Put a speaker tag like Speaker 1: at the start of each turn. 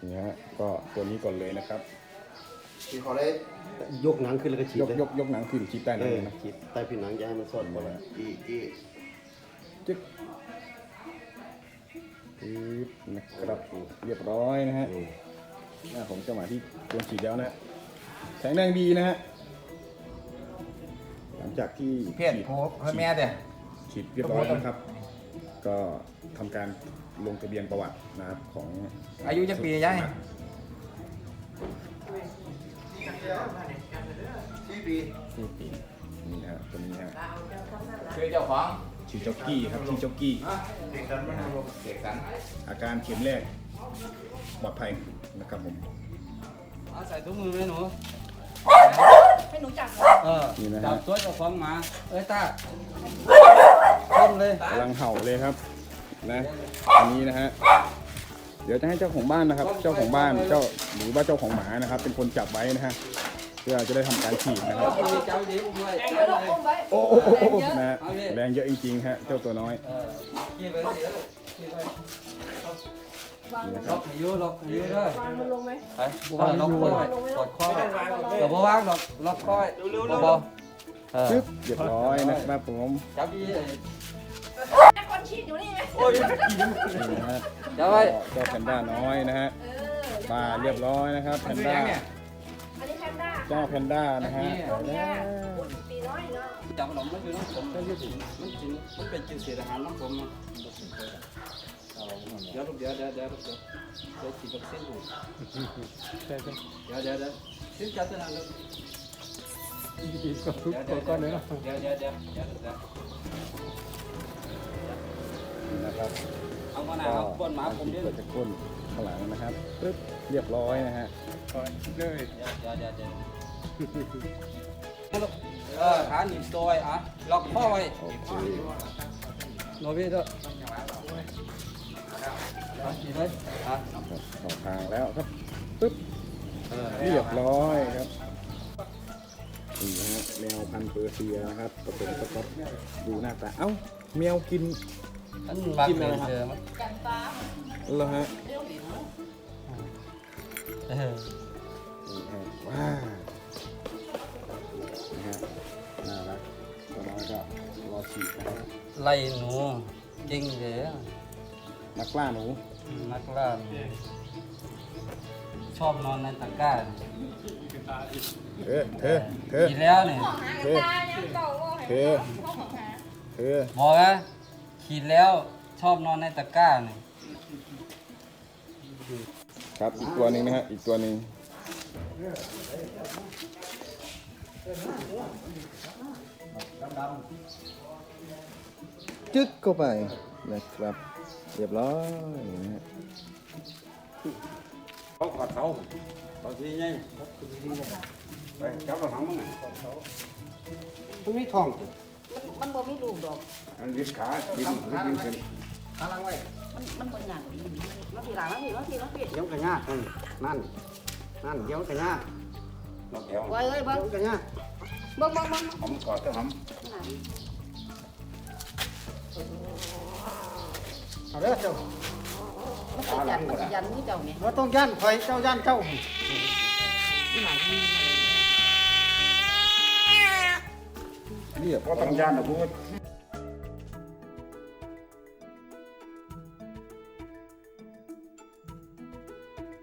Speaker 1: นี่ฮะก็ตัวนี้ก่อนเลยนะครับ
Speaker 2: ที่เขาได้ยกหนังขึ้นแล้วก็ฉีด
Speaker 1: ยกหนังขึ้นฉีดใต้หนังนะ
Speaker 2: ฉีดใต้ผิวหนังอย่าให้มันสอดเข้าไปจี้
Speaker 1: จึ๊กปึ๊บนะครับเรียบร้อยนะฮะผมจะมาที่ตัวฉีดแล้วนะแข็งแรงดีนะฮะหลังจากที่
Speaker 3: เพี้ยนโพให้แม่เด้อ
Speaker 1: ฉีดเรียบร้อยนะครับ ก็ทำการลงทะเบียนประวัตินะครับของ
Speaker 3: อายุจะปียัง
Speaker 2: 4 ปี
Speaker 1: 4 ปีนี่ฮะตัวนี้ฮะ
Speaker 3: คือเจ้าของ
Speaker 1: ชื่อเจ้ากี้ครับชื่อเจ้ากี้
Speaker 2: เด็กกันมันรวม
Speaker 3: เด็กสัน
Speaker 1: อาการเข็มแรกปลอดภัยนะครับผม
Speaker 4: ใส่ถุงมือไหมหนู
Speaker 5: ให้หนูจับ
Speaker 1: นี่นะ
Speaker 4: จั
Speaker 1: ฮะ
Speaker 4: บตัวเจ้าของหมาเอ้ยตาต้นเลย
Speaker 1: กำลังเห่าเลยครับนะอันนี้นะฮะเดี๋ยวจะให้เจ้าของบ้านนะครับ เจ้าของบ้านเจ้าหรือว่าเจ้าของหมานะครับ เป็นคนจับไว้นะฮะเพื่อจะได้ทำการฉีดนะครับ
Speaker 4: เจ้าดีอุ้มไว้
Speaker 5: แรงเยอะลูกอุ้มไว้
Speaker 1: โอ้โหนะฮะแรงเยอะจริงๆฮะเจ้าตัวน้อย
Speaker 4: ขี้ไปเดี๋ยวขี้ไป
Speaker 1: นี่นะค
Speaker 4: ล็
Speaker 1: รั
Speaker 4: อบ กให้อยู่ล็อกให้อยู่ด้วย
Speaker 5: วางมันลงไหม
Speaker 4: ไปล็อกคอยกดข้อเดี๋ยวบ่วางล็อกคอยบ่
Speaker 1: จึ๊บเรียบร้อยนะครับผม
Speaker 4: จับดี
Speaker 5: ไอ้คนฉีดอยู่นี่ไหม
Speaker 1: นี่นะฮะ
Speaker 4: จับไว้
Speaker 1: เจ้าแพนด้าน้อยนะฮะ
Speaker 5: เออ
Speaker 1: มาเรียบร้อยนะครับแพนด้า
Speaker 5: อันนี้แพนด้า
Speaker 1: เจ้าแพนด้านะฮะ
Speaker 5: ตัวเนี้ยปีน้อยเนาะ
Speaker 4: จับขนมมันอยู่น้ำผมมันกินมันเป็นกินเศษอาหารน้ำผมเดี๋ยวฉีดวัคซีนดูเดี๋ยวซื้อจับตัวนั้นเลยก่อนเลยเนาะเดี๋ยว
Speaker 1: นี่นะครับ
Speaker 4: เอามาหน้าเอาก้นหมาผมเดี๋ยว
Speaker 1: เปิดจากก้นข้างหลังนะครับปึ๊บเรียบร้อยนะฮะ
Speaker 4: เดี๋ยวขาหนีบตัวไว้อ่ะล็อกข้อไว้
Speaker 1: โอเค
Speaker 4: โนบิด้วยฉีดไว้อ่ะ
Speaker 1: ครับเข้าทางแล้วครับปึ๊บเรียบร้อยครับนี่นะฮะแมวพันธุ์เปอร์เซียนะครับผสมสก๊อตดูหน้าตาเอ้าแมวกิน
Speaker 4: อันบักเลยเจอมั้ย
Speaker 5: กันฟ้า
Speaker 1: เหรอฮะ
Speaker 5: เรื่องผิว
Speaker 1: นี่ฮะว้าวนี่ฮะน่ารักตัวน้อยก็รอฉีดนะครับ
Speaker 4: ไล่หนูเก่งเลย
Speaker 1: นักล่าหนู
Speaker 4: นักล่าชอบนอนในตะกร้า
Speaker 1: เธอ
Speaker 4: กินแล้วเนี่ย
Speaker 5: หากันตายังเก่าว่า
Speaker 1: เธอ
Speaker 4: บอกนะขีดแล้วชอบนอนในตะกร้าเนี่ย
Speaker 1: ครับอีกตัวหนึ่งนะฮะอีกตัวหนึ่งจึ๊กเข้าไปนะครับเรียบร้อยนะฮะ
Speaker 4: เขาขอดเขาเขาทีไงไปจับเราหางมั้งอ่ะ
Speaker 2: มันมีท้อง
Speaker 5: มันบ่มีลูกดอก
Speaker 4: มันยึดขาดิ้นขึ้น
Speaker 5: มันบ่หนักมาทีหลังมาที
Speaker 2: เดี๋ยวกระยากนั่นเดี๋ยวกระยาก
Speaker 4: ล็อกแขว
Speaker 5: ไว้เอ้ยเบิ่ง
Speaker 2: เดี๋ยวกระยาก
Speaker 5: เบิ่ง
Speaker 4: หอมกอดเจ้าหอม
Speaker 2: เอาเด้อเจ้า
Speaker 5: มันยันมือเจ้าเนี่ย
Speaker 2: ว่าต้องย่านคอยเจ้าย่านเจ้า
Speaker 1: เรียบ
Speaker 4: ก็ต้องยานนะพูด